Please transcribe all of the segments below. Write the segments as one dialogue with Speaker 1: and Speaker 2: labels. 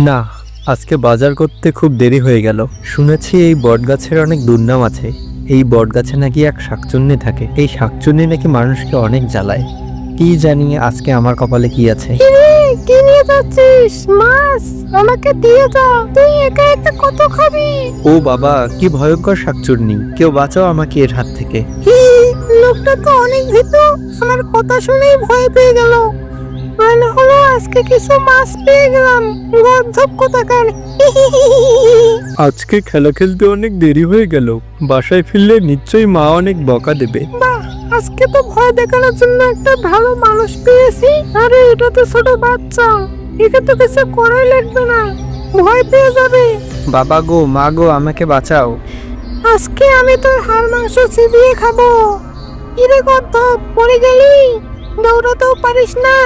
Speaker 1: না, আজকে বাজার করতে খুব দেরি হয়ে গেল। শুনেছি এই বটগাছের অনেক দুর্নাম আছে। এই বটগাছে নাকি এক শাকচুন্নি থাকে। এই শাকচুন্নি নাকি মানুষকে অনেক জ্বালায়। কি জানি আজকে আমার কপালে কি আছে।
Speaker 2: কি নিয়ে যাচ্ছিস? মাছ আমাকে দিয়ে যা, তুই একা একা কত খাবি?
Speaker 1: ও বাবা, কি ভয়ঙ্কর শাকচুন্নি! কেউ বাঁচাও আমাকে এর হাত থেকে।
Speaker 2: লোকটা তো অনেক ভীতু, আমার কথা শুনেই ভয় পেয়ে গেল। মনে হলো আজকে কিছু মাছ পেয়ে গেলাম। গর্ধব কোথাকার।
Speaker 1: আজকে খেলা খেলতে অনেক দেরি হয়ে গেল। বাসায় ফিরলে নিশ্চয়ই মা অনেক বকা দেবে।
Speaker 2: বাহ, আজকে তো ভয় দেখানোর জন্য একটা ভালো মানুষ পেয়েছি। আরে এটা তো ছোট বাচ্চা, একে তো কিছু করাই লাগবে না, ভয় পেয়ে যাবে।
Speaker 1: বাবা গো, মা গো, আমাকে বাঁচাও।
Speaker 2: আজকে আমি তোর হাড় মাংস চিবিয়ে খাবো। কিরে গর্ধব, পড়ে গেলি? দৌড়াতেও পারিস না।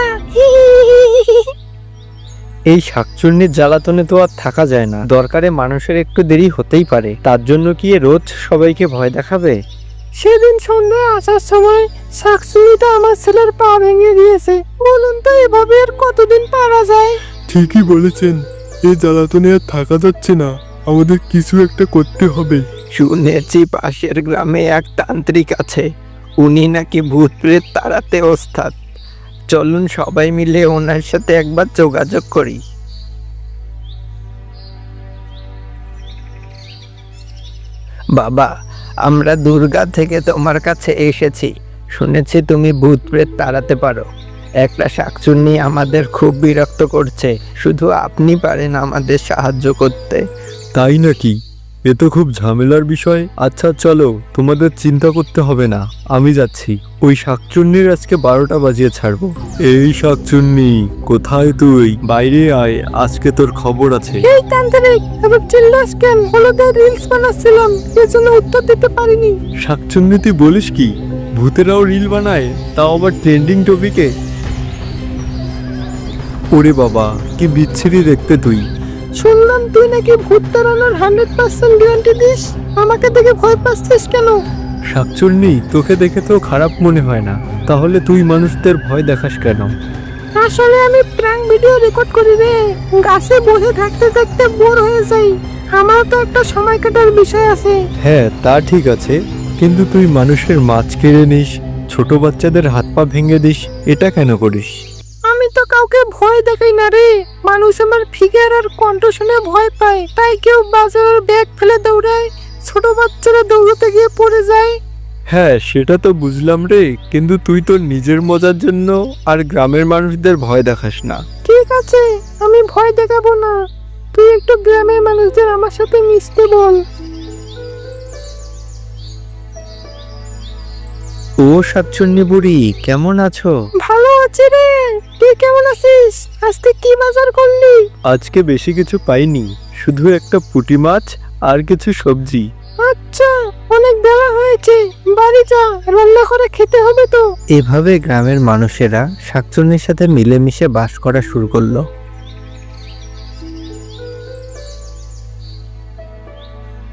Speaker 1: এই শাকচুন্নির জ্বালাতনে তো আর থাকা যায় না। দরকারে মানুষের একটু দেরি হতেই পারে, তার জন্য কি এ রোজ সবাইকে ভয় দেখাবে?
Speaker 2: সেদিন সন্ধ্যায় আসার সময় শাকচুনিটা আমার ছেলের পা ভেঙে দিয়েছে। বলুন তো এভাবে আর কতদিন পারা যায়?
Speaker 3: ঠিকই বলেছেন, এই জ্বালাতনে আর থাকা যাচ্ছে না, আমাদের কিছু একটা করতে হবে।
Speaker 1: শুনেছি পাশের গ্রামে এক তান্ত্রিক আছে, উনি নাকি ভূত প্রেত তাড়াতে ওস্তাদ। চলুন সবাই মিলে ওনার সাথে একবার যোগাযোগ করি। বাবা, আমরা দুর্গা থেকে তোমার কাছে এসেছি। শুনেছি তুমি ভূত প্রেত তাড়াতে পারো। একটা শাকচুন্নি আমাদের খুব বিরক্ত করছে, শুধু আপনি পারেন আমাদের সাহায্য করতে।
Speaker 3: তাই নাকি? এ তো খুব ঝামেলার বিষয়। আচ্ছা চলো, তোমাদের চিন্তা করতে হবে না, আমি যাচ্ছি। ওই শাকচুন্নির আজকে 12টা বাজিয়ে ছাড়বো। এই শাকচুন্নি, কোথায় তুই? বাইরে আয়, আজকে তোর খবর আছে।
Speaker 2: এই তান্ত্রিক, এবার চিল্লাস কেন? হলুদের রিলস বানাচ্ছিলাম, এজন্য উত্তর দিতে পারিনি।
Speaker 3: শাকচুন্নি তুই বলিস কি? ভূতেরাও রিল বানায়, তাও আবার ট্রেন্ডিং টপিকে? ওরে বাবা, কি বিচ্ছিরি দেখতে তুই।
Speaker 2: শুনলাম তুই নাকি ভূত তাড়ানোর 100% গ্যারান্টি দিস। আমাকে দেখে ভয় পাচ্ছিস কেন?
Speaker 3: শাকচুন্নি, তোকে দেখে তো খারাপ মনে হয় না, তাহলে তুই মানুষদের ভয় দেখাস কেন?
Speaker 2: আসলে আমি প্র্যাঙ্ক ভিডিও রেকর্ড করি রে। গাছে বসে থাকতে থাকতে বোর হয়ে যাই। আমার তো একটা সময় কাটার বিষয় আছে।
Speaker 3: হ্যাঁ, তা ঠিক আছে, কিন্তু তুই মানুষের মাছ কেড়ে নিস, ছোট বাচ্চাদের হাত পা ভেঙে দিস, এটা কেন করিস?
Speaker 2: আমি তো কাউকে ভয় দেখাই না রে। মানুষ আমার ফিগার আর কণ্ঠ শুনে ভয় পায়, তাই কেউ বাজারের ব্যাগ ফেলে দৌড়ায়, ছোট বাচ্চারা দৌড়াতে গিয়ে পড়ে যায়।
Speaker 3: হ্যাঁ, সেটা তো বুঝলাম রে, কিন্তু তুই তোর নিজের মজার জন্য আর গ্রামের মানুষদের ভয় দেখাস না।
Speaker 2: ঠিক আছে, আমি ভয় দেখাবো না। তুই একটু গ্রামের মানুষদের আমার সাথে মিশতে বল।
Speaker 1: ও শাকচুন্নি বুড়ি, কেমন আছো?
Speaker 2: ভালো আছি রে, তুই কেমন আছিস? আজকে কি বাজার করলি?
Speaker 3: আজকে বেশি কিছু পাইনি, শুধু একটা পুঁটি মাছ আর কিছু সবজি।
Speaker 2: আচ্ছা, অনেক বেলা হয়েছে, বাড়ি যা, রান্না করে খেতে হবে তো।
Speaker 1: এভাবে গ্রামের মানুষেরা শাকচুন্নির সাথে মিলেমিশে বাস করা শুরু করলো।